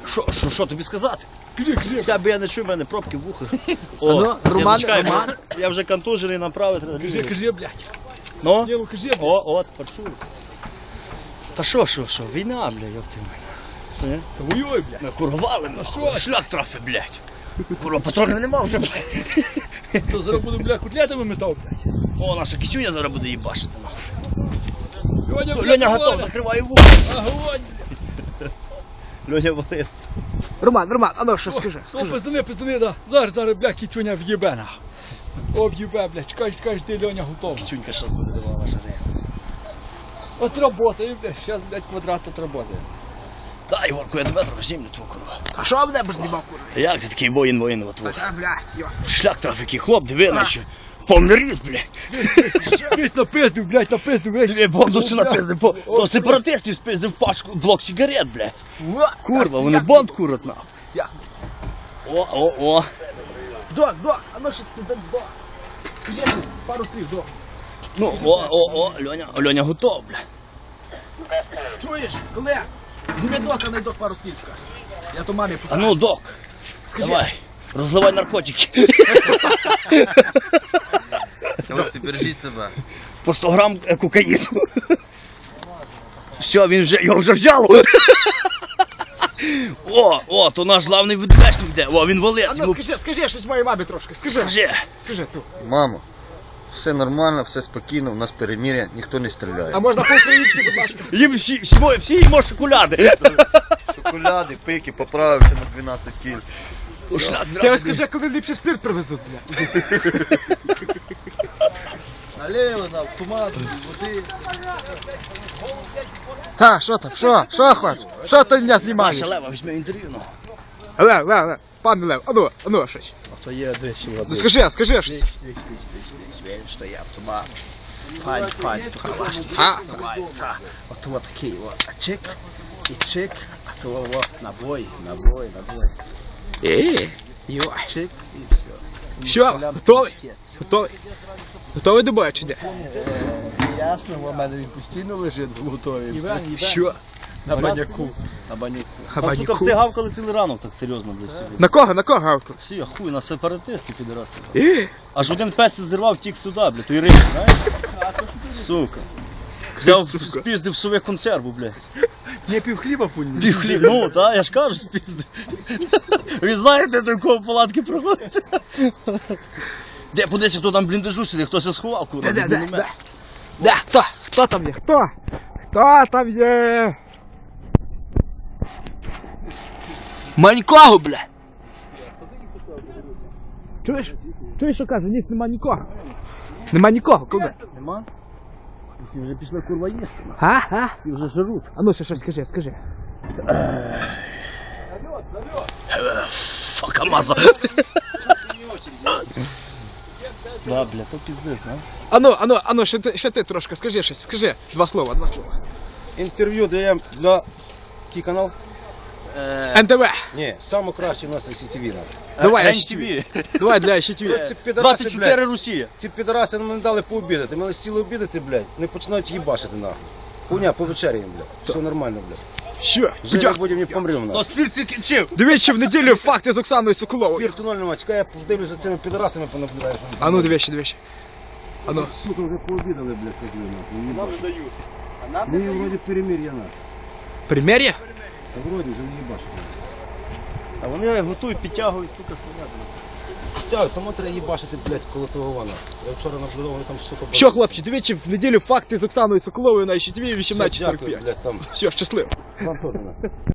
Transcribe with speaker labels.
Speaker 1: Що тобі сказати?
Speaker 2: Кажи.
Speaker 1: Я не чую, в мене пробки в вухах.
Speaker 2: Ну, Роман.
Speaker 1: Я вже контужений, направити.
Speaker 2: Кажи, блядь.
Speaker 1: Ну?
Speaker 2: Ні, ну кажи, блядь.
Speaker 1: От, почую. Та що, війна, блядь, ёпти мене.
Speaker 2: Та воюй, блядь.
Speaker 1: Курвали мене, шлях трафи, блядь. Курва, патронів нема вже, блядь.
Speaker 2: То зараз буду, блядь, котлетами метав, блядь.
Speaker 1: О, наша кичуня зараз буде їбашити, нахуй.
Speaker 2: Льоня, блядь,
Speaker 1: Льоня готов,
Speaker 2: Валя.
Speaker 1: закривай вухо.
Speaker 2: Огонь, блядь.
Speaker 1: Льоня болить.
Speaker 3: Роман, а ну що скажи?
Speaker 2: Пиздани, да. Зараз, блядь, кітюня в'єбе, нахуй. Об'єбе, блядь, чекай, ти, Льоня, готова.
Speaker 1: Кичунька щас буде давала жаре.
Speaker 2: Отработає, блядь, зараз, блядь, квадрат отработає.
Speaker 1: Дай, Ігорку, я тебе трохи землю твою, курва.
Speaker 3: А що мене б знімав, курва?
Speaker 1: Та як ти такий воїн, от вот.
Speaker 3: А, блядь, йо.
Speaker 1: Шлях траф, який хлоп, диви, наче. Повний ріс, блядь.
Speaker 2: Весь напиздив, блядь.
Speaker 1: Бонду напиздив, по сепаратистів спиздив пачку, блок сигарет, блядь. Курва, вони бонд курять, нахуй. О.
Speaker 3: Док, а ну щось пиздан, док. Скажи щось, пару слів, док.
Speaker 1: Ну, Льоня готов, блядь.
Speaker 3: Чуєш, колег? Зніми дока, не док пару слів скаже. Я то мамі
Speaker 1: А
Speaker 3: покажу.
Speaker 1: ну, док,
Speaker 3: Скажи.
Speaker 1: давай, розливай наркотики.
Speaker 4: Хлопці, бережіть себе.
Speaker 1: По 100 грам кокаїну. Все, його вже взяло. То наш главний відвечник йде. О, він валить.
Speaker 3: А ну скажи щось моїй мамі трошки, скажи. Скажи ту.
Speaker 4: Мамо, все нормально, все спокійно, у нас перемир'я, ніхто не стріляє.
Speaker 3: А можна по-українськи, будь ласка?
Speaker 1: Їм всі їмо шоколади.
Speaker 4: Шоколади, пики, поправився на 12 кіль.
Speaker 3: Ти ось скажи, коли ліпший спирт привезуть, блядь.
Speaker 4: Налили на автомат, води.
Speaker 3: Та, що там, що хочеш? Що ти мене знімаєш?
Speaker 1: Наша Лева, візьми інтерв'ю.
Speaker 3: Лев, пане Лев, а ну щось.
Speaker 1: А то є десь води.
Speaker 3: Ну скажи щось.
Speaker 1: Він стоїть автомат. Пань, давай. От такий, а чик, і чик, а то набой. Чик, і все.
Speaker 3: Все, готовий до бою чи де?
Speaker 1: Ясно, у мене він постійно лежить готовий.
Speaker 3: Що?
Speaker 1: На баняку.
Speaker 3: На баняку.
Speaker 1: Сука, всі гавкали цілий ранок так серйозно, блядь, собі.
Speaker 3: На кого гавку?
Speaker 1: Всі, хуй, на сепаратисти, підраси. Аж один пес зірвав, тік сюди, блядь, той риб, знаєш? Сука. Взяв, спіздив сове консерву, блядь.
Speaker 3: Не пів хліба пульні.
Speaker 1: Пів хліб, ну, та, я ж кажу, спіздив. Ви знаєте, до кого палатки проходять? Де, подивися, хто там в бліндажу сидить, хтось сховав, курва.
Speaker 3: Де, хто там є, хто там є? Манького, бля. Чуєш, що каже, ніс нема нікого, коли?
Speaker 1: Нема? Всі вже пішли, курва, їсти.
Speaker 3: А?
Speaker 1: Всі вже жируть.
Speaker 3: А ну ще щось скажи.
Speaker 1: Факамаза. Да, бля, то пиздец, да?
Speaker 3: А ну, ще ти трошки, скажи щось, скажи. Два слова.
Speaker 5: Інтерв'ю даємо для який канал?
Speaker 3: НТВ.
Speaker 5: Ні, саме краще у нас СІТВ.
Speaker 3: Давай,
Speaker 1: NTV.
Speaker 3: Давай для СІТВ.
Speaker 5: Ці підараси,
Speaker 1: 24
Speaker 5: блядь,
Speaker 1: Росія.
Speaker 5: ці підараси нам не дали пообідати. Ми сіли обідати, блядь, не починають їбашити нахуй. Хуйня, повечеряємо, блядь. Все нормально, блядь.
Speaker 3: Що?
Speaker 5: Вже не будемо, не помремо, нахуй.
Speaker 1: спір ці кінчив.
Speaker 3: Дивіться в неділю факти з Оксаною Соколовою.
Speaker 5: Спір тунель нема, чекай, я подивлюсь за цими підарасами, понаблюдаю.
Speaker 3: А ну, дивіться. А ну.
Speaker 5: Сука, вже пообідали, блядь, козли, нахуй. Нам не дають. Ми вроді перемир'я, нахуй.
Speaker 3: Пример'я?
Speaker 5: Та вроді вже не їбашить.
Speaker 1: А вони готують, підтягують, сука, стоять.
Speaker 5: Тягу, тому треба їбашити, блядь, коло того вана. Я вчора наблюдав, вони там, сука,
Speaker 3: Що, хлопці, дивіться в неділю факти з Оксаною Соколовою на СІТВ
Speaker 5: Дякую,
Speaker 3: 18:45.
Speaker 5: блядь, там.
Speaker 3: Все, щасливо.
Speaker 5: Вам теж, нахуй.